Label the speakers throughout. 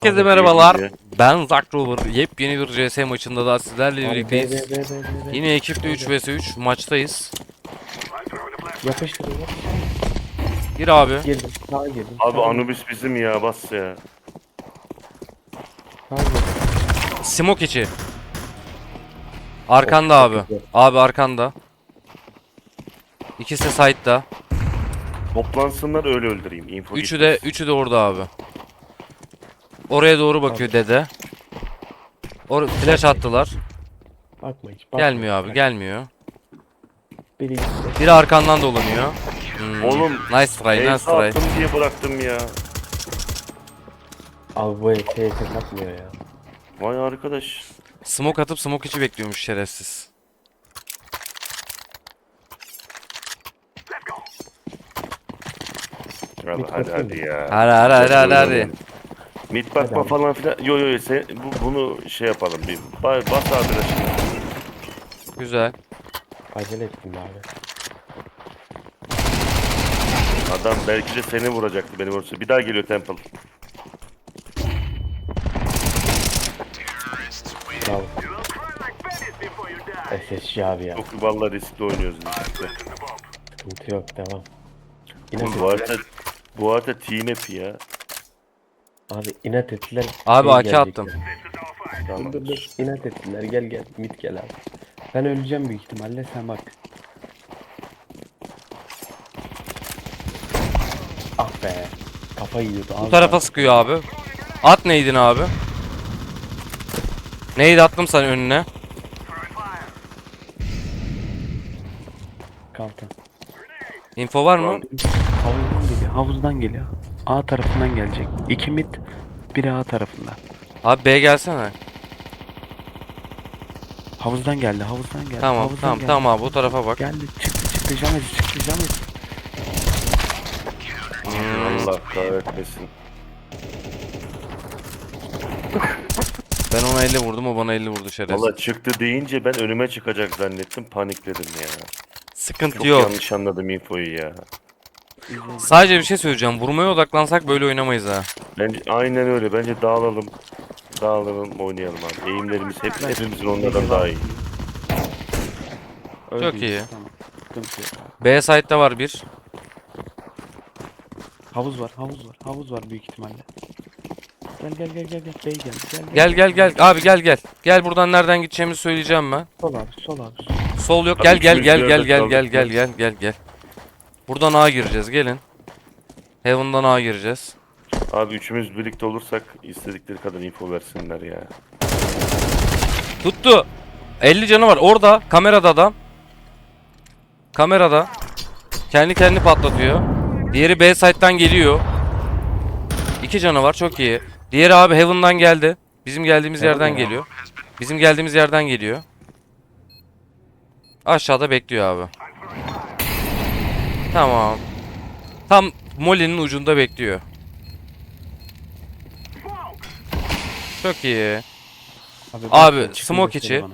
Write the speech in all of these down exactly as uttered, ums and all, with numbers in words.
Speaker 1: Herkese
Speaker 2: Abi,
Speaker 1: merhabalar.
Speaker 2: iyi, iyi.
Speaker 1: Ben Zack Rover. Yepyeni bir C S maçında da sizlerle
Speaker 2: Abi,
Speaker 1: birlikteyiz.
Speaker 2: be, be, be, be, be, be.
Speaker 1: Yine ekiple üç vs üç maçtayız.
Speaker 2: Yapıştır yapıştır.
Speaker 1: Gir abi.
Speaker 2: Girdim. Sağa girdim.
Speaker 3: Abi
Speaker 2: sağa
Speaker 3: Anubis bizim ya, bas ya.
Speaker 2: Sağa girdim.
Speaker 1: Smoke içi. Arkanda
Speaker 2: Of,
Speaker 1: abi.
Speaker 2: çok güzel.
Speaker 1: Abi arkanda. İkisi de side'da.
Speaker 3: Toplansınlar öyle öldüreyim. Info
Speaker 1: Üçü de
Speaker 3: gitmesin.
Speaker 1: üçü de orada abi. Oraya doğru bakıyor dede. Or flash attılar.
Speaker 2: Bakma hiç. Bakma.
Speaker 1: Gelmiyor abi,
Speaker 2: Bak,
Speaker 1: gelmiyor.
Speaker 2: Biri gitti.
Speaker 1: Biri arkandan dolanıyor. Hmm.
Speaker 3: Oğlum,
Speaker 1: Nice try, nice
Speaker 3: Ace
Speaker 1: try.
Speaker 3: attım diye bıraktım ya.
Speaker 2: Abi bu F F atmıyor ya.
Speaker 3: Vay arkadaş.
Speaker 1: Smoke atıp smoke içi bekliyormuş şerefsiz.
Speaker 3: Hadi
Speaker 2: Mid
Speaker 3: hadi,
Speaker 2: bakayım
Speaker 3: hadi
Speaker 2: mı?
Speaker 3: ya.
Speaker 1: Hadi hadi hadi hadi hadi.
Speaker 3: Mid bakma
Speaker 2: abi.
Speaker 3: falan filan. Yo yo yo, sen, bu, bunu şey yapalım. Bir ba- bas abi de şimdi.
Speaker 1: Güzel.
Speaker 2: Acele ettim abi.
Speaker 3: Adam belki de seni vuracaktı benim orası. Bir daha geliyor Temple.
Speaker 2: Bravo. S S G abi ya.
Speaker 3: Çok vallahi riskli oynuyoruz biz işte.
Speaker 2: Sıkıntı yok. Devam. İnat
Speaker 3: Oğlum, bu
Speaker 2: ettiler.
Speaker 3: arada bu arada T N F ya.
Speaker 2: Abi inat ettiler.
Speaker 1: Abi
Speaker 2: şey
Speaker 1: A K
Speaker 2: gelecek
Speaker 1: attım.
Speaker 2: ya.
Speaker 3: Tamam.
Speaker 2: Dur dur dur. İnat ettiler. Gel gel. Mid gel abi. Ben öleceğim büyük ihtimalle. Sen bak. Ah be. Kafa yiyordu.
Speaker 1: Bu tarafa sıkıyor abi. At neydin abi? Neydi attım sana önüne?
Speaker 2: Kalta.
Speaker 1: Info var mı?
Speaker 2: Havuzdan geliyor. Havuzdan geliyor. A tarafından gelecek. İki mid. Biri A tarafından.
Speaker 1: Abi B gelsene.
Speaker 2: Havuzdan geldi. Havuzdan geldi.
Speaker 1: Tamam
Speaker 2: havuzdan
Speaker 1: tamam
Speaker 2: geldi.
Speaker 1: tamam abi bu tarafa bak.
Speaker 2: Geldi. Çıktı çıktı. Jamez çıktı. Jamez.
Speaker 1: Hmm,
Speaker 3: Allah kahretmesin.
Speaker 1: ben ona elli vurdum o bana elli vurdu şerefsiz.
Speaker 3: Valla çıktı deyince ben önüme çıkacak zannettim, panikledim ya.
Speaker 1: Sıkıntı
Speaker 3: Çok
Speaker 1: yok.
Speaker 3: yanlış anladım infoyu ya.
Speaker 1: Sadece bir şey söyleyeceğim. Vurmaya odaklansak böyle oynamayız ha.
Speaker 3: Bence aynen öyle. Bence dağılalım. Dağılalım, oynayalım abi. Eğimlerimiz hep, hepimizin onlardan daha iyi.
Speaker 1: Çok iyi.
Speaker 2: Tamam. Sıkıntı yok abi.
Speaker 1: B site'da var bir.
Speaker 2: Havuz var. Havuz var. Havuz var büyük ihtimalle. Gel gel gel gel gel. Bey gel.
Speaker 1: Gel gel gel abi gel gel. Gel buradan nereden gideceğimizi söyleyeceğim ben.
Speaker 2: Sol abi. Sol abi.
Speaker 1: Sol yok.
Speaker 3: Abi
Speaker 1: Gel gel
Speaker 3: üçümüz
Speaker 1: gel
Speaker 3: bir
Speaker 1: gel
Speaker 3: yerde
Speaker 1: gel
Speaker 3: kaldık
Speaker 1: gel
Speaker 3: ya.
Speaker 1: gel gel gel gel. Buradan A gireceğiz gelin. Heaven'dan A gireceğiz.
Speaker 3: Abi üçümüz birlikte olursak istedikleri kadar info versinler ya.
Speaker 1: Tuttu. elli canı var. Orada kamerada adam. Kamerada. Kendi kendini patlatıyor. Diğeri B site'dan geliyor. İki canı var. Çok iyi. Diğeri abi Heaven'dan geldi. Bizim geldiğimiz
Speaker 2: Heaven
Speaker 1: yerden
Speaker 2: ya.
Speaker 1: geliyor. Bizim geldiğimiz yerden geliyor. Aşağıda bekliyor abi. Tamam. Tam Molly'nin ucunda bekliyor. Çok iyi. Abi,
Speaker 2: bak, çıkın
Speaker 1: smoke
Speaker 2: göster
Speaker 1: içi.
Speaker 2: bana.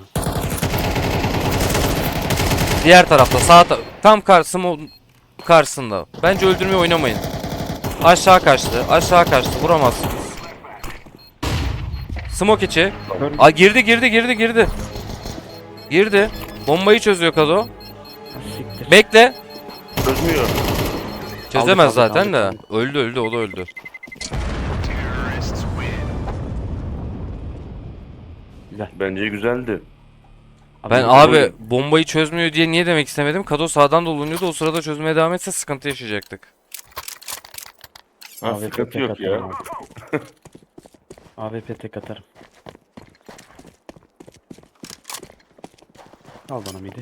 Speaker 1: Diğer tarafta sağ ta tam karşısında karşısında. Bence öldürmeye oynamayın. Aşağı kaçtı. Aşağı kaçtı. Vuramazsınız. Smoke içi.
Speaker 2: Kör-
Speaker 1: Aa, girdi girdi girdi girdi. Girdi. Bombayı çözüyor Kado.
Speaker 2: Ha, siktir.
Speaker 1: Bekle.
Speaker 3: Çözmüyor.
Speaker 1: Çözemez
Speaker 2: aldık,
Speaker 1: zaten de.
Speaker 2: aldık.
Speaker 1: Öldü öldü o da öldü.
Speaker 2: Güzel.
Speaker 3: Bence güzeldi.
Speaker 1: Ben
Speaker 2: bu-
Speaker 1: abi bombayı çözmüyor diye niye demek istemedim? Kado sağdan dolanıyordu. O sırada çözmeye devam etse sıkıntı yaşayacaktık.
Speaker 3: Ha,
Speaker 2: A W P
Speaker 3: sıkıntı
Speaker 2: tek
Speaker 3: yok ya.
Speaker 2: atarım abi. A W P tek atarım. Al bana midi.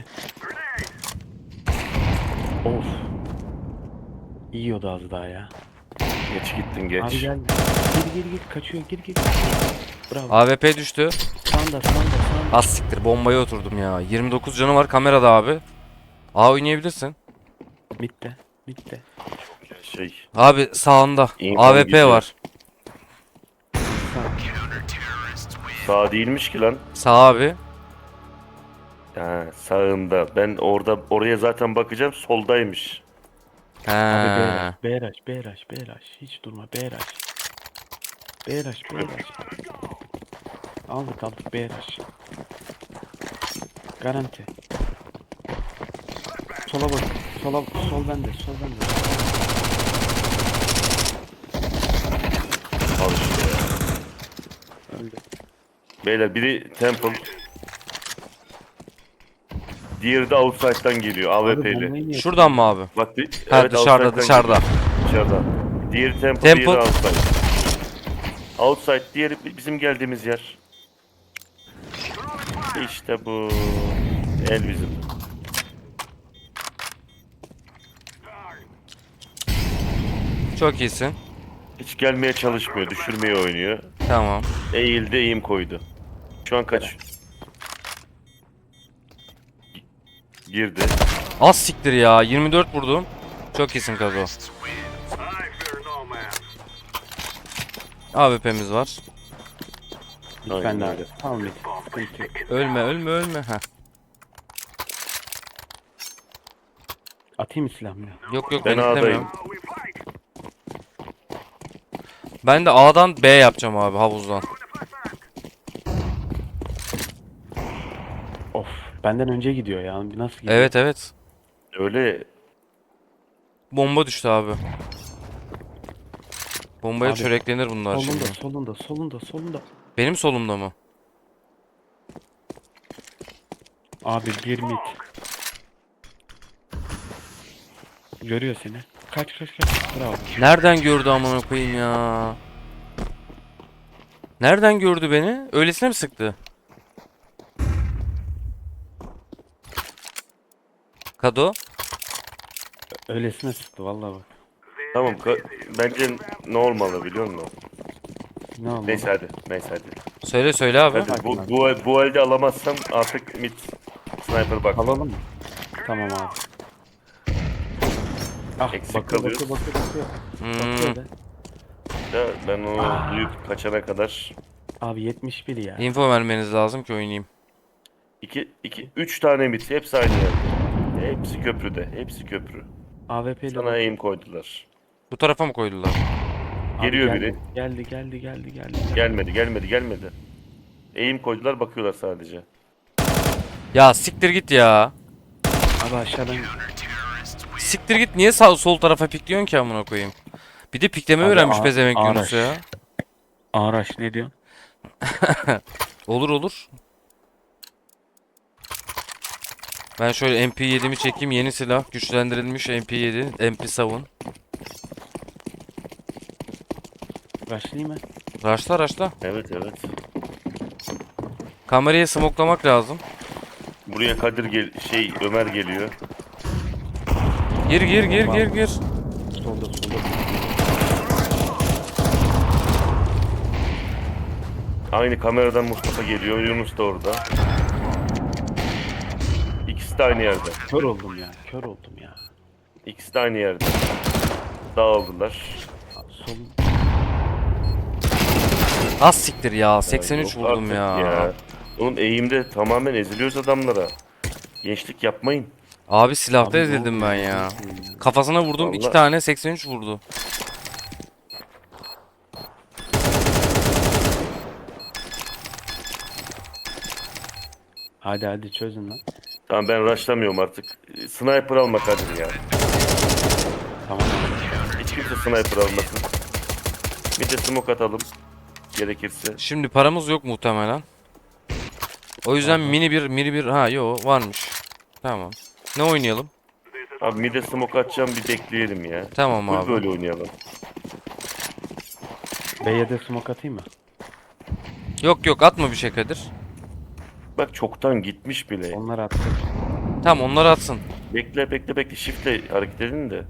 Speaker 2: Of. Yiyordu az daha ya.
Speaker 3: Geç gittin geç.
Speaker 2: Abi gel. Gir gir gir kaçıyor gir gir. Bravo.
Speaker 1: A W P düştü.
Speaker 2: Sağında sağında sağında.
Speaker 1: Az siktir bombaya oturdum ya. yirmi dokuz canı var kamerada abi. A oynayabilirsin.
Speaker 2: Bitti. Bitti.
Speaker 3: Şey.
Speaker 1: Abi sağında.
Speaker 3: İnfo
Speaker 1: A W P
Speaker 3: gidiyor.
Speaker 1: var.
Speaker 2: Sağ.
Speaker 3: Sağ değilmiş ki lan.
Speaker 1: Sağ abi.
Speaker 3: Ha, sağında. Ben orada oraya zaten bakacağım, soldaymış.
Speaker 1: He.
Speaker 2: Abi B rush, B rush, B rush, B rush. Hiç durma B rush. Beyraş, Beyraş. Aldık aldık Beyraş. Garanti. Sola bak. Sola, sol bende, sol bende.
Speaker 3: Al işte ya.
Speaker 2: Öldü.
Speaker 3: Beyler biri Temple. Diğeri de Outside'dan geliyor
Speaker 2: Abi
Speaker 3: A W P'li.
Speaker 2: bombayı niye
Speaker 1: Şuradan mı abi?
Speaker 3: Bak bir,
Speaker 1: Ha,
Speaker 3: evet,
Speaker 1: dışarıda,
Speaker 3: Outside'dan
Speaker 1: dışarıda.
Speaker 3: geliyor. Dışarıda. Diğeri Temple,
Speaker 1: Temple.
Speaker 3: diğeri Outside. Outside, diğeri bizim geldiğimiz yer. İşte bu. El bizim.
Speaker 1: Çok iyisin.
Speaker 3: Hiç gelmeye çalışmıyor, düşürmeye oynuyor.
Speaker 1: Tamam.
Speaker 3: Eğildi, eğim koydu. Şu an kaç? Girdi.
Speaker 1: Az siktir ya. yirmi dört vurdum. Çok iyisin Kazo. A W P'miz var.
Speaker 2: Hiç
Speaker 3: Aynen
Speaker 2: bende
Speaker 3: öyle.
Speaker 2: abi. Tamam mid. Sıkıntı yok.
Speaker 1: Ölme ölme ölme. Heh.
Speaker 2: Atayım mı silahımı ya?
Speaker 1: Yok yok
Speaker 3: Ben
Speaker 1: ben
Speaker 3: A'dayım.
Speaker 1: istemiyorum. Ben de A'dan B yapacağım abi havuzdan.
Speaker 2: Of. Benden önce gidiyor ya. Nasıl gidiyor?
Speaker 1: Evet evet.
Speaker 3: Öyle
Speaker 1: Bomba düştü abi. Bombaya
Speaker 2: Abi,
Speaker 1: çöreklenir bunlar
Speaker 2: Solunda,
Speaker 1: şimdi.
Speaker 2: solunda, solunda, solunda.
Speaker 1: Benim solumda mı?
Speaker 2: Abi bir mid. Görüyor seni. Kaç kaç kaç. Bravo.
Speaker 1: Nereden gördü amına koyayım ya? Nereden gördü beni? Öylesine mi sıktı? Kado?
Speaker 2: Öylesine sıktı vallahi bak.
Speaker 3: tamam. ka- Bence ne olmalı biliyor musun?
Speaker 2: Ne oldu?
Speaker 3: Neyse hadi. Neyse hadi.
Speaker 1: Söyle söyle abi.
Speaker 3: Hadi bu, bu, bu elde alamazsam artık mid sniper bak.
Speaker 2: Alalım mı? Tamam abi. Ah
Speaker 3: Eksik
Speaker 2: bakıyor,
Speaker 3: kalıyoruz.
Speaker 2: bakıyor bakıyor bakıyor.
Speaker 1: Hmm.
Speaker 2: Bakıyor da.
Speaker 3: Da ben onu duyup kaçana kadar
Speaker 2: Abi yetmiş bir ya.
Speaker 1: Info vermeniz lazım ki oynayayım.
Speaker 3: iki, iki, üç tane mid hepsi aynı yerde. Hepsi köprüde. Hepsi köprü.
Speaker 2: A W P ile
Speaker 3: Sana aim koydular.
Speaker 1: Bu tarafa mı koydular?
Speaker 2: Abi
Speaker 3: Geliyor
Speaker 2: geldi,
Speaker 3: biri.
Speaker 2: Geldi geldi geldi geldi. geldi.
Speaker 3: Gelmedi gelmedi gelmedi. Aim koydular bakıyorlar sadece.
Speaker 1: Ya siktir git ya.
Speaker 2: Abi aşağıdan
Speaker 1: Siktir git niye sağ sol tarafa pikliyorsun ki amına koyayım? Bir de pikleme
Speaker 2: Abi,
Speaker 1: öğrenmiş
Speaker 2: a-
Speaker 1: pezevenk
Speaker 2: araç.
Speaker 1: Yunus ya.
Speaker 2: Araç ne diyorsun?
Speaker 1: Olur olur. Ben şöyle M P yedi'mi çekeyim. Yeni silah. Güçlendirilmiş M P yedi. M P yedi.
Speaker 2: Başlayayım mı?
Speaker 1: Raşla raşla.
Speaker 3: Evet evet.
Speaker 1: Kamerayı smoklamak lazım.
Speaker 3: Buraya Kadir gel şey Ömer geliyor.
Speaker 1: Gir gir gir gir gir.
Speaker 2: Solda solda.
Speaker 3: Aynı kameradan Mustafa geliyor. Yunus da orada. İkisi de aynı yerde.
Speaker 2: Kör oldum ya. Kör oldum ya.
Speaker 3: İkisi de aynı yerde. Dağıldılar.
Speaker 2: Abi, sol.
Speaker 1: Az siktir ya. seksen üç
Speaker 3: Yok
Speaker 1: vurdum
Speaker 3: artık
Speaker 1: ya.
Speaker 3: Oğlum eğimde tamamen eziliyoruz adamlara. Gençlik yapmayın.
Speaker 1: Abi silahta
Speaker 2: Abi, ne
Speaker 1: ezildim
Speaker 2: oldu
Speaker 1: ben
Speaker 2: ya?
Speaker 1: ya.
Speaker 2: Nasıl ya?
Speaker 1: Kafasına vurdum. iki
Speaker 3: Vallahi-
Speaker 1: tane seksen üç vurdu.
Speaker 2: Hadi hadi çözün lan.
Speaker 3: Tamam ben rushlamıyorum artık. Sniper alma Kadir ya.
Speaker 2: Tamam abi.
Speaker 3: Hiç kimse sniper almasın. Bir de smoke atalım. Gerekirse.
Speaker 1: Şimdi paramız yok muhtemelen. O yüzden mini bir mini bir ha yo varmış. Tamam. Ne oynayalım?
Speaker 3: Abi mide smoke atacağım bir bekleyelim ya.
Speaker 1: Tamam
Speaker 3: Full
Speaker 1: abi.
Speaker 3: böyle oynayalım.
Speaker 2: B'ye de smoke atayım mı?
Speaker 1: Yok yok atma bir şey Kadir.
Speaker 3: Bak çoktan gitmiş bile.
Speaker 2: Onlar attı.
Speaker 1: Tamam onları atsın.
Speaker 3: Bekle bekle bekle. Shift'le hareket edin de.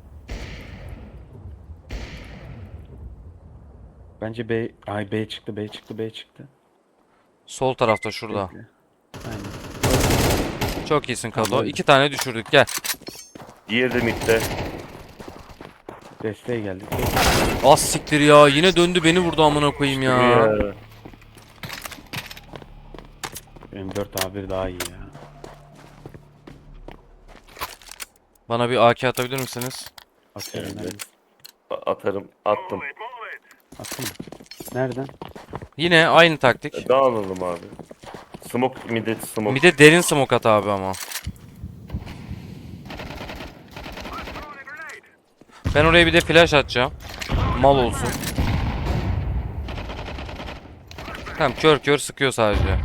Speaker 2: Bence B... Ay B çıktı B çıktı B çıktı.
Speaker 1: Sol tarafta şurada.
Speaker 2: Bekle. Aynen.
Speaker 1: Çok iyisin Kado.
Speaker 2: Tamam.
Speaker 1: İki tane düşürdük gel.
Speaker 3: Diğeri de midde.
Speaker 2: Desteğe geldik.
Speaker 1: Az siktir ya. Yine döndü beni vurdu amına koyayım ya.
Speaker 3: Ya.
Speaker 2: Benim dört A bir daha iyi ya.
Speaker 1: Bana bir A K atabilir misiniz?
Speaker 2: Atıyorum ben.
Speaker 3: Evet. A- Atarım. Attım.
Speaker 2: Attın mı? Nereden?
Speaker 1: Yine aynı taktik.
Speaker 3: Dağılalım abi. Smoke midet smoke.
Speaker 1: Bir de derin smoke at abi ama. Ben oraya bir de flash atacağım. Mal olsun. Tamam, kör kör sıkıyor sadece.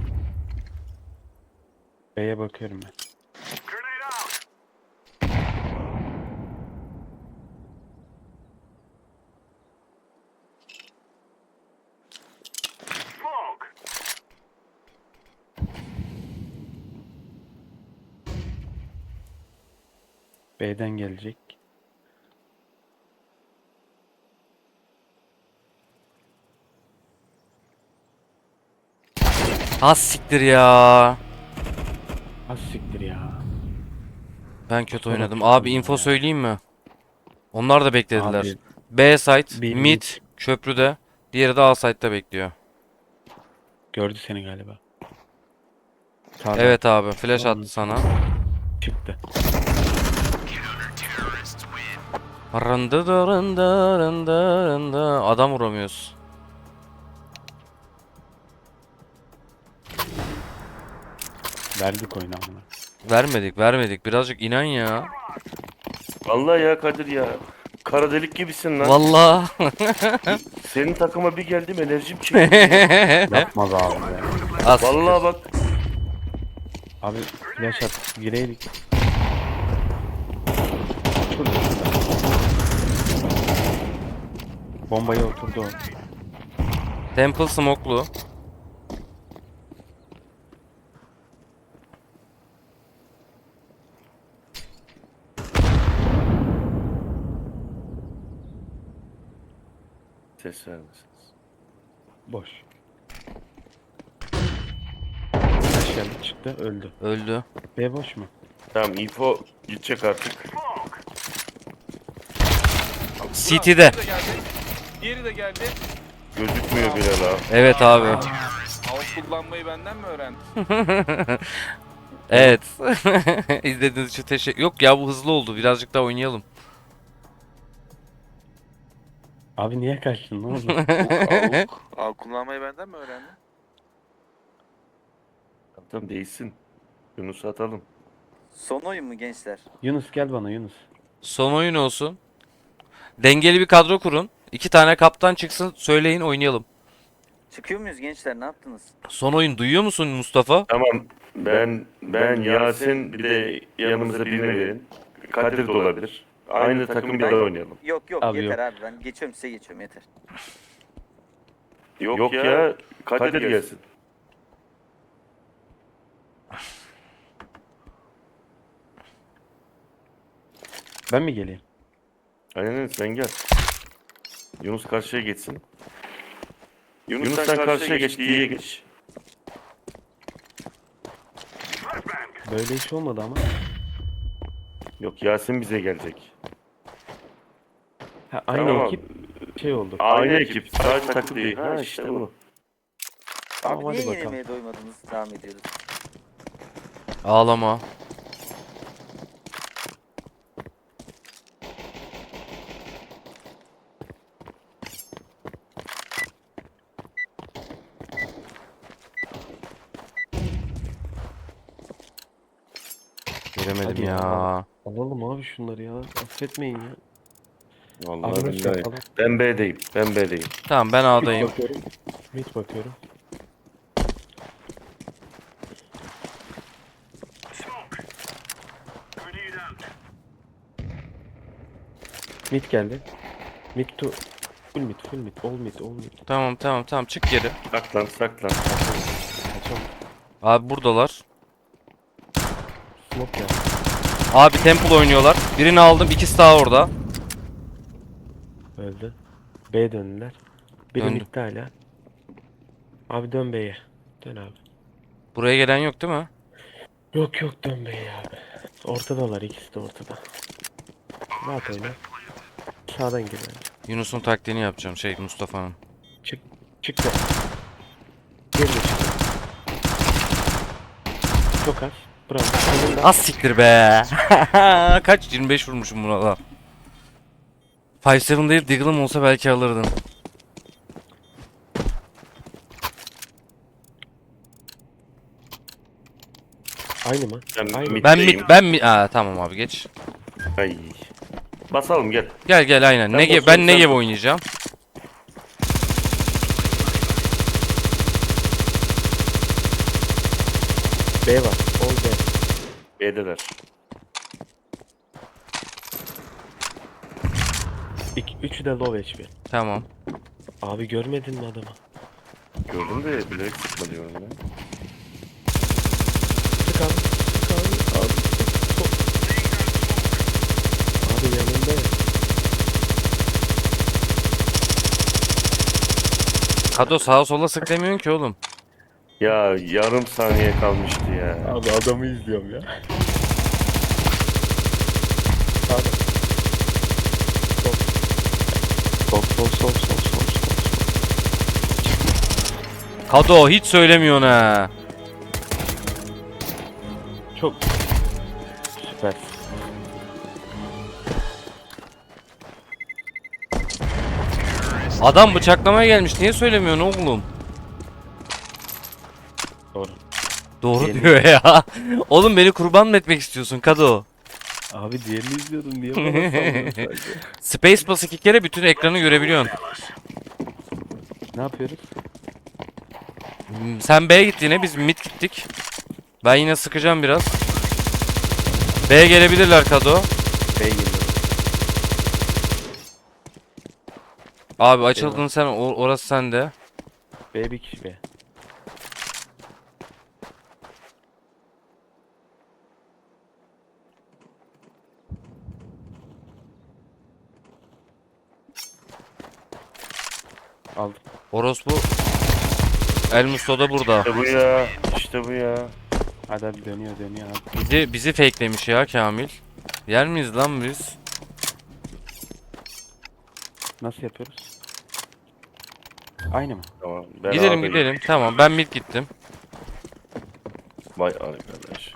Speaker 2: B'ye bakıyorum ben. B'den gelecek.
Speaker 1: Az siktir ya.
Speaker 2: Az siktir ya.
Speaker 1: Ben kötü
Speaker 2: Sonra
Speaker 1: oynadım.
Speaker 2: kötü
Speaker 1: Abi
Speaker 2: oynadım
Speaker 1: info
Speaker 2: ya.
Speaker 1: söyleyeyim mi? Onlar da beklediler.
Speaker 2: Abi,
Speaker 1: B site,
Speaker 2: bir
Speaker 1: mid,
Speaker 2: mid.
Speaker 1: köprüde. Diğeri de A site'da bekliyor.
Speaker 2: Gördü seni galiba. Sağdan
Speaker 1: Evet abi, flash
Speaker 2: Tamam.
Speaker 1: attı sana.
Speaker 2: çıktı.
Speaker 1: Rında da rında rında rında. Adam vuramıyoruz.
Speaker 2: Verdik oyunu amına.
Speaker 1: Vermedik, vermedik. Birazcık inan ya.
Speaker 3: Vallahi ya Kadir ya. Kara delik gibisin lan.
Speaker 1: Vallahi.
Speaker 3: Senin takıma bir geldim enerjim çekti.
Speaker 2: Yapmaz abi ya.
Speaker 1: Az
Speaker 3: Vallahi bak.
Speaker 2: Abi flash at. Gireydik. Şurada. Bombaya oturdu o.
Speaker 1: Temple smoke'lu.
Speaker 3: Ses vermesiniz.
Speaker 2: Boş. Flash geldi çıktı öldü.
Speaker 1: Öldü.
Speaker 2: B boş mu?
Speaker 3: Tamam info gidecek artık.
Speaker 1: C T'de.
Speaker 4: Diğeri de geldi. Diğeri de geldi.
Speaker 3: Gözükmüyor bile la.
Speaker 1: Evet abi.
Speaker 4: Mouse kullanmayı benden mi öğrendin?
Speaker 1: Evet. İzlediğiniz için teşekkür... Yok ya, bu hızlı oldu. Birazcık daha oynayalım.
Speaker 2: Abi niye kaçtın ne oldu?
Speaker 4: Avuk. Avuk kullanmayı benden mi öğrendin?
Speaker 3: Tamam değilsin. Yunus'u atalım.
Speaker 5: Son oyun mu gençler?
Speaker 2: Yunus gel bana Yunus.
Speaker 1: Son oyun olsun. Dengeli bir kadro kurun. İki tane kaptan çıksın, söyleyin, oynayalım.
Speaker 5: Çıkıyor muyuz gençler, ne yaptınız?
Speaker 1: Son oyun duyuyor musun Mustafa?
Speaker 3: Tamam. Ben ben Yasin bir de yanımıza birini verin. Kadir de olabilir. Aynı takım bir daha oynayalım.
Speaker 5: Yok yok
Speaker 2: Abi
Speaker 5: yeter abi, ben geçiyorum size geçiyorum yeter.
Speaker 3: Yok, ya Kadir gelsin.
Speaker 2: Ben mi geleyim?
Speaker 3: Aynen öyle, sen gel. Yunus karşıya geçsin. Yunus, sen karşıya geç, diye geç.
Speaker 2: Böyle iş olmadı ama.
Speaker 3: Yok Yasin bize gelecek.
Speaker 2: Ha, aynı
Speaker 3: Tamam.
Speaker 2: ekip şey oldu.
Speaker 3: Aynı ekip, sadece takım değil. Ha işte bu.
Speaker 2: Tamam,
Speaker 5: Abi
Speaker 2: hadi
Speaker 5: niye
Speaker 2: bakalım.
Speaker 5: yenilmeye doymadınız, devam ediyoruz.
Speaker 1: Ağlama. Göremedim
Speaker 2: Hadi
Speaker 1: ya.
Speaker 2: ya. Alalım abi şunları ya. Affetmeyin ya.
Speaker 3: Vallahi
Speaker 2: Abi
Speaker 3: billahi.
Speaker 2: bakalım.
Speaker 3: Ben B'deyim, ben B'deyim.
Speaker 1: Tamam, ben A'dayım.
Speaker 2: Bakıyorum. Mid bakıyorum. Mid geldi. Mid to full mid, full mid, all mid, all mid.
Speaker 1: Tamam tamam tamam, çık geri.
Speaker 3: Saklan, saklan.
Speaker 2: Kaçalım.
Speaker 1: Abi buradalar.
Speaker 2: Smoke ya.
Speaker 1: Abi Temple oynuyorlar. Birini aldım, ikisi daha orada.
Speaker 2: Öldü. B döndüler. Biri
Speaker 1: Döndü.
Speaker 2: midde hala. Abi dön B'ye. Dön abi.
Speaker 1: Buraya gelen yok değil mi?
Speaker 2: Yok yok dön B'ye abi. Ortadalar, ikisi de ortada. Rahat oyna. Sağdan gir abi.
Speaker 1: Yunus'un taktiğini yapacağım, şey Mustafa'nın.
Speaker 2: Çık. Çık da. Geri de çık. Çok az. Bravo. Sonunda.
Speaker 1: Az siktir be. Kaç? yirmi beş vurmuşum buna da. beş yedi değil, Deagle'ım olsa belki alırdım.
Speaker 2: Aynı mı?
Speaker 3: Ben
Speaker 2: Aynı.
Speaker 3: mid-
Speaker 1: Ben
Speaker 3: Middeyim.
Speaker 1: mid ben mi? Aa tamam abi geç.
Speaker 3: Ay. Basalım gel.
Speaker 1: Gel gel aynen.
Speaker 3: Ben
Speaker 1: Negev
Speaker 3: basıyorum,
Speaker 1: ben
Speaker 3: sen
Speaker 1: Negev
Speaker 3: tut.
Speaker 1: oynayacağım.
Speaker 2: B var. Ol B.
Speaker 3: B'deler.
Speaker 2: İki, üçü de low H P.
Speaker 1: Tamam.
Speaker 2: Abi görmedin mi adamı?
Speaker 3: Gördüm de bilerek sıkma diyorum ya.
Speaker 2: Sık abi. Sık abi. Abi sık. Sol. Abi yanında ya.
Speaker 1: Kado sağa sola sık demiyorsun ki oğlum.
Speaker 3: Ya yarım saniye kalmıştı ya.
Speaker 2: Abi adamı izliyorum ya. Sağda. Sol. Sol sol sol sol sol sol.
Speaker 1: Kado hiç söylemiyorsun ha.
Speaker 2: Çok süper.
Speaker 1: Adam bıçaklamaya gelmiş. Niye söylemiyorsun oğlum?
Speaker 2: Doğru.
Speaker 1: Doğru
Speaker 2: Diyelim.
Speaker 1: diyor ya. Oğlum beni kurban mı etmek istiyorsun Kado?
Speaker 2: Abi diğerini izliyordum niye bana sallıyorsun sadece?
Speaker 1: Space bas iki kere bütün ekranı görebiliyorsun.
Speaker 2: Ne yapıyoruz?
Speaker 1: Hmm, Sen B'ye git yine biz mid gittik. Ben yine sıkacağım biraz. B'ye gelebilirler Kado.
Speaker 2: B geliyor.
Speaker 1: Abi açıldın sen o- orası sende.
Speaker 2: B bir kişi B. Aldım.
Speaker 1: Orospu El Musto da burada.
Speaker 3: İşte bu ya. İşte bu ya.
Speaker 2: Hadi hadi dönüyor dönüyor abi.
Speaker 1: Bizi bizi fakelemiş ya Kamil. Yer miyiz lan biz?
Speaker 2: Nasıl yapıyoruz? Aynı mı?
Speaker 3: Tamam. Ben
Speaker 1: Gidelim
Speaker 3: A'dayım.
Speaker 1: gidelim. Tamam ben mid gittim.
Speaker 3: Vay arkadaş.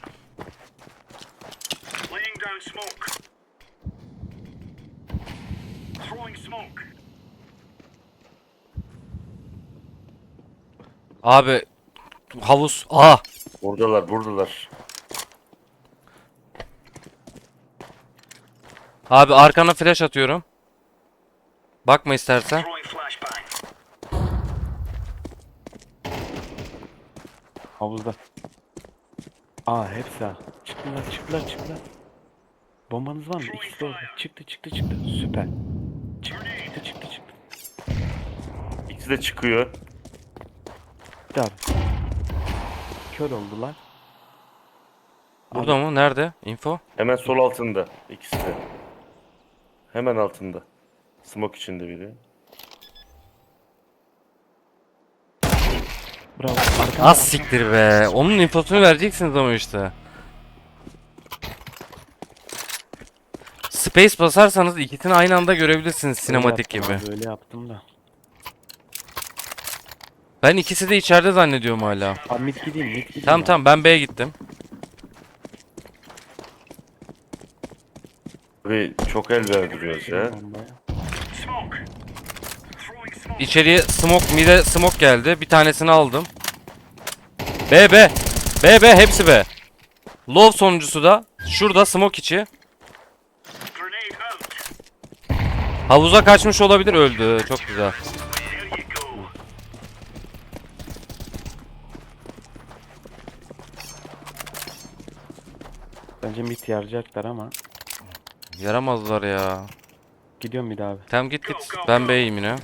Speaker 6: Laying down smoke. Throwing smoke.
Speaker 1: Abi havuz. Aha.
Speaker 3: Buradalar buradalar.
Speaker 1: Abi arkana flash atıyorum. Bakma istersen.
Speaker 6: Throwing flashbang.
Speaker 2: Havuzda. Aa hepsi A. Çıktılar çıktılar çıktılar. Bombanız var mı? İkisi de orada. Çıktı çıktı çıktı. Süper. Çıktı çıktı çıktı çıktı.
Speaker 3: İkisi de çıkıyor.
Speaker 2: Bitti abi. Kör oldular.
Speaker 1: Burada mı? Nerede? Info?
Speaker 3: Hemen sol altında. İkisi de. Hemen altında. Smoke içinde biri.
Speaker 2: Bravo. Arkanda.
Speaker 1: Az siktir be. Onun infosunu vereceksiniz ama işte. Space basarsanız ikisini aynı anda görebilirsiniz sinematik
Speaker 2: Öyle
Speaker 1: gibi.
Speaker 2: yaptım abi, Öyle yaptım da.
Speaker 1: Ben ikisi de içeride zannediyorum hala.
Speaker 2: Abi mid gideyim mid gideyim.
Speaker 1: Tamam
Speaker 2: abi.
Speaker 1: tamam ben B'ye gittim.
Speaker 3: Ve çok el verdiriyoruz ya.
Speaker 2: Bombaya.
Speaker 6: Smoke. Throwing smoke.
Speaker 1: İçeriye smoke, mid'e smoke geldi. Bir tanesini aldım. B B. B B hepsi B. Low sonuncusu da şurada smoke içi.
Speaker 6: Grenade out.
Speaker 1: Havuza kaçmış olabilir, öldü. Çok güzel.
Speaker 6: There you go.
Speaker 2: Bence mid yarayacaklar ama.
Speaker 1: Yaramazlar ya.
Speaker 2: Gidiyorum mid abi.
Speaker 1: Tamam git git. Ben B'yim yine.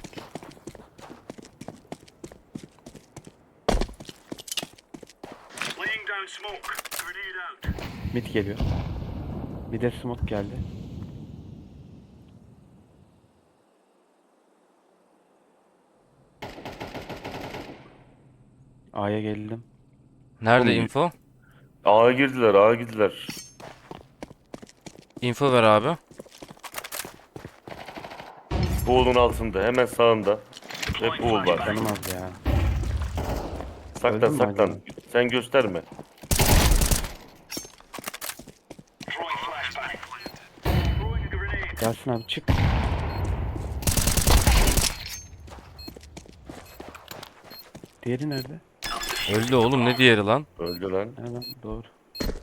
Speaker 6: Laying down smoke. Grenade out.
Speaker 2: Mid geliyor. Bir de smoke geldi. A'ya geldim.
Speaker 1: Nerede
Speaker 3: Oğlum,
Speaker 1: info?
Speaker 3: A'ya girdiler A'ya girdiler.
Speaker 1: Info ver abi.
Speaker 3: Pool'un altında hemen sağında. Ve pool var.
Speaker 2: Canım az ya.
Speaker 3: Saklan
Speaker 2: Öldün mü
Speaker 3: saklan.
Speaker 2: acaba?
Speaker 3: Sen gösterme.
Speaker 6: Throwing flashbang. Throwing a grenade.
Speaker 2: Yasin abi çık. Diğeri nerede?
Speaker 1: Öldü oğlum, ne diğeri lan?
Speaker 3: Öldü lan.
Speaker 2: Hemen doğru.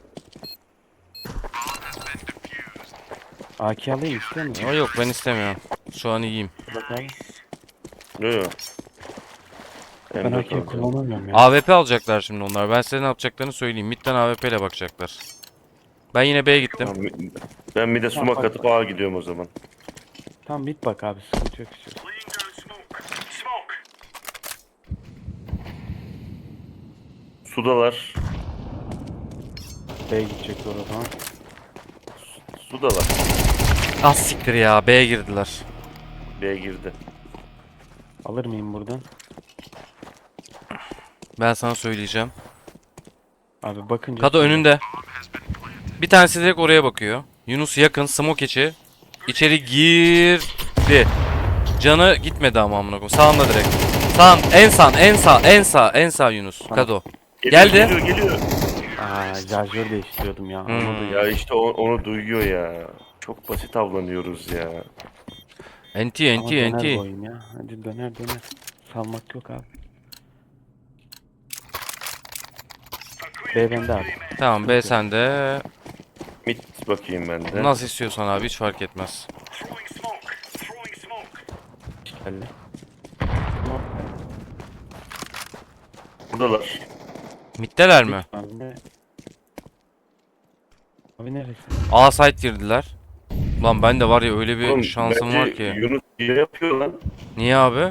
Speaker 2: A K alayım istiyor musun?
Speaker 1: Ama yok ben istemiyorum. Şu an iyiyim.
Speaker 2: Bak abi.
Speaker 3: Yok yok.
Speaker 2: Ben
Speaker 3: M dört
Speaker 2: A K
Speaker 3: alacağım.
Speaker 2: kullanamıyorum ya.
Speaker 1: A W P alacaklar şimdi onlar. Ben size ne yapacaklarını söyleyeyim. Mid'den A W P ile bakacaklar. Ben yine B'ye gittim.
Speaker 3: Tamam, ben bir de
Speaker 2: Tamam,
Speaker 3: sumak
Speaker 2: bak,
Speaker 3: atıp A'ya gidiyorum o zaman.
Speaker 2: Tamam mid bak abi sıkıntı yok istiyor.
Speaker 6: Laying down smoke. Smoke.
Speaker 3: Sudalar.
Speaker 2: B'ye gidecek doğru o zaman.
Speaker 3: Sudalar.
Speaker 1: Az siktir ya. B'ye girdiler.
Speaker 3: B'ye girdi.
Speaker 2: Alır mıyım buradan?
Speaker 1: Ben sana söyleyeceğim.
Speaker 2: Abi bakınca...
Speaker 1: Kado önünde. Bir tanesi direkt oraya bakıyor. Yunus yakın. Smoke içi. İçeri girdi. Canı gitmedi ama amına koyayım. Sağında direkt. Sağ, en sağ, en sağ, en sağ, en sağ Yunus. Kado.
Speaker 3: Geliyor,
Speaker 1: Geldi.
Speaker 3: Geliyor geliyor.
Speaker 2: Aa şarjör değiştiriyordum ya.
Speaker 1: Hmm.
Speaker 2: Onu da
Speaker 3: Ya işte o- onu duyuyor ya. Çok basit avlanıyoruz ya.
Speaker 1: Enti,
Speaker 2: Ama
Speaker 1: enti,
Speaker 2: döner bu
Speaker 1: enti.
Speaker 2: oyun ya. Hadi döner döner. Salmak yok abi. B bende abi.
Speaker 1: Tamam B sende.
Speaker 3: Mid bakayım ben de.
Speaker 1: Nasıl istiyorsan abi hiç fark etmez.
Speaker 6: Throwing smoke. Throwing smoke.
Speaker 2: Geldi.
Speaker 3: Buradalar.
Speaker 1: Mid'deler mi?
Speaker 2: Abi ne? Abi neresi?
Speaker 1: A site girdiler. Lan ben de var ya öyle bir
Speaker 3: Oğlum,
Speaker 1: şansım
Speaker 3: bence
Speaker 1: var ki.
Speaker 3: Yunus iyi yapıyor lan.
Speaker 1: Niye abi?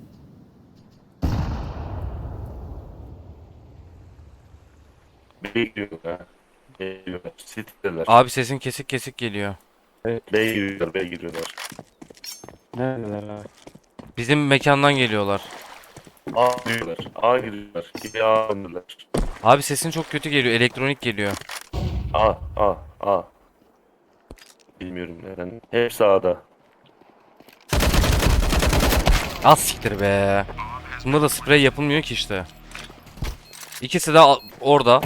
Speaker 3: B'ye giriyorlar ha. B'ye giriyorlar. City'deler.
Speaker 1: Abi sesin kesik kesik geliyor.
Speaker 3: B'ye giriyorlar. B'ye giriyorlar.
Speaker 2: Neredeler abi?
Speaker 1: Bizim mekandan geliyorlar.
Speaker 3: A giriyorlar. A giriyorlar. Geri A döndüler.
Speaker 1: Abi sesin çok kötü geliyor. Elektronik geliyor.
Speaker 3: A, A, A. Bilmiyorum neden. Hepsi A'da.
Speaker 1: Az siktir be. Bunda da sprey yapılmıyor ki işte. İkisi de a- orada.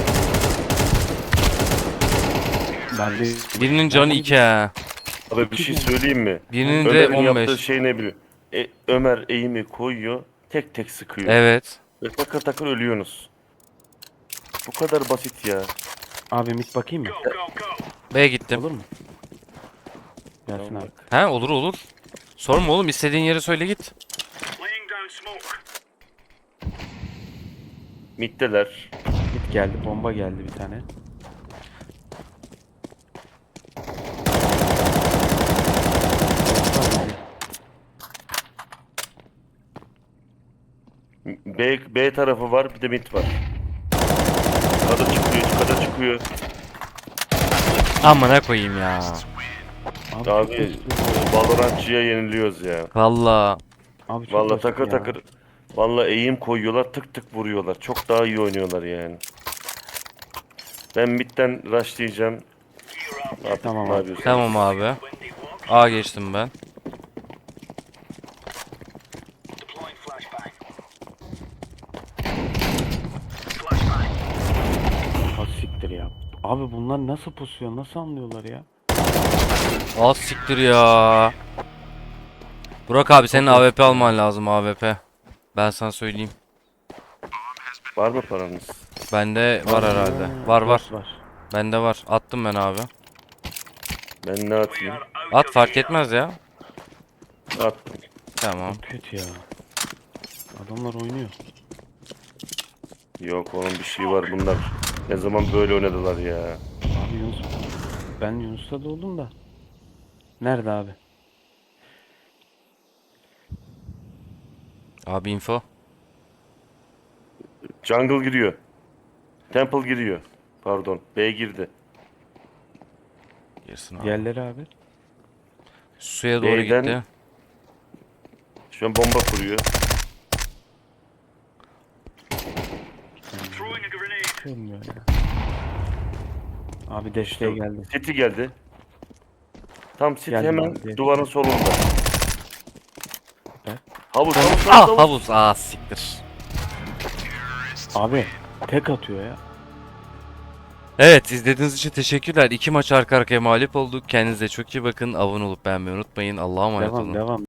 Speaker 2: Ben de...
Speaker 1: Birinin canı iki ha.
Speaker 3: Abi bir şey söyleyeyim mi?
Speaker 1: Birinin de
Speaker 3: Ömer'in
Speaker 1: on
Speaker 3: yaptığı
Speaker 1: beş.
Speaker 3: şey ne biliyor? E, Ömer eğimi koyuyor. Tek tek sıkıyor.
Speaker 1: Evet.
Speaker 3: Ve takır takır ölüyorsunuz. Bu kadar basit ya.
Speaker 2: Abi mid bakayım mı?
Speaker 6: Go, go, go.
Speaker 1: B'ye gittim.
Speaker 2: Olur mu? Gelsin abi.
Speaker 1: He olur olur. Sorma oğlum istediğin yere söyle git.
Speaker 6: Laying down smoke.
Speaker 3: Mid'deler.
Speaker 2: Mid geldi. Bomba geldi bir tane.
Speaker 3: B, B tarafı var, bir de mid var. Kada çıkıyor, kada çıkıyor.
Speaker 1: Amına koyayım ya.
Speaker 2: Abi,
Speaker 3: Abi
Speaker 2: çok basit.
Speaker 3: Valorantçıya yeniliyoruz ya.
Speaker 1: Valla.
Speaker 2: Abi çok
Speaker 3: Vallahi
Speaker 2: basit
Speaker 3: takır
Speaker 2: ya.
Speaker 3: takır. Vallahi eğim koyuyorlar, tık tık vuruyorlar. Çok daha iyi oynuyorlar yani. Ben midden rushlayacağım. Ne yap-
Speaker 2: Tamam
Speaker 3: ne
Speaker 2: abi.
Speaker 3: yapıyorsun?
Speaker 1: Tamam abi. A geçtim ben.
Speaker 6: Deploying flashbang. Flashbang.
Speaker 2: Az siktir ya. Abi bunlar nasıl pusuyor? Nasıl anlıyorlar ya?
Speaker 1: Az siktir ya. Burak abi senin A W P alman lazım A W P. Ben sana söyleyeyim.
Speaker 3: Var mı paranız?
Speaker 1: Bende var herhalde. Var var.
Speaker 2: Var.
Speaker 1: Bende var. Attım ben abi.
Speaker 3: Ben ne atayım?
Speaker 1: At fark etmez ya.
Speaker 3: Attım.
Speaker 1: Tamam.
Speaker 2: Çok kötü ya. Adamlar oynuyor.
Speaker 3: Yok onun bir şey var bunlar. Ne zaman böyle oynadılar ya.
Speaker 2: Abi Yunus. Ben Yunus'ta da oldum da. Nerede abi?
Speaker 1: Abi info.
Speaker 3: Jungle giriyor. Temple giriyor. Pardon. B girdi.
Speaker 1: Girsin abi.
Speaker 2: Diğerleri abi.
Speaker 1: Suya doğru
Speaker 3: B'den-
Speaker 1: gitti.
Speaker 3: Şu an bomba kuruyor.
Speaker 6: Throwing a grenade.
Speaker 2: Olmuyor ya. Abi desteğe geldi.
Speaker 3: City geldi. Tam City
Speaker 2: Geldim
Speaker 3: hemen
Speaker 2: abi.
Speaker 3: duvarın solunda.
Speaker 2: Süper.
Speaker 3: Havuz, havuz, havuz,
Speaker 1: Ah
Speaker 3: havuz.
Speaker 1: havuz. Ah siktir.
Speaker 2: Abi tek atıyor ya.
Speaker 1: Evet izlediğiniz için teşekkürler. İki maç arka arkaya mağlup olduk. Kendinize çok iyi bakın. Abone olup beğenmeyi unutmayın. Allah'a emanet
Speaker 2: Devam
Speaker 1: olun.
Speaker 2: devam.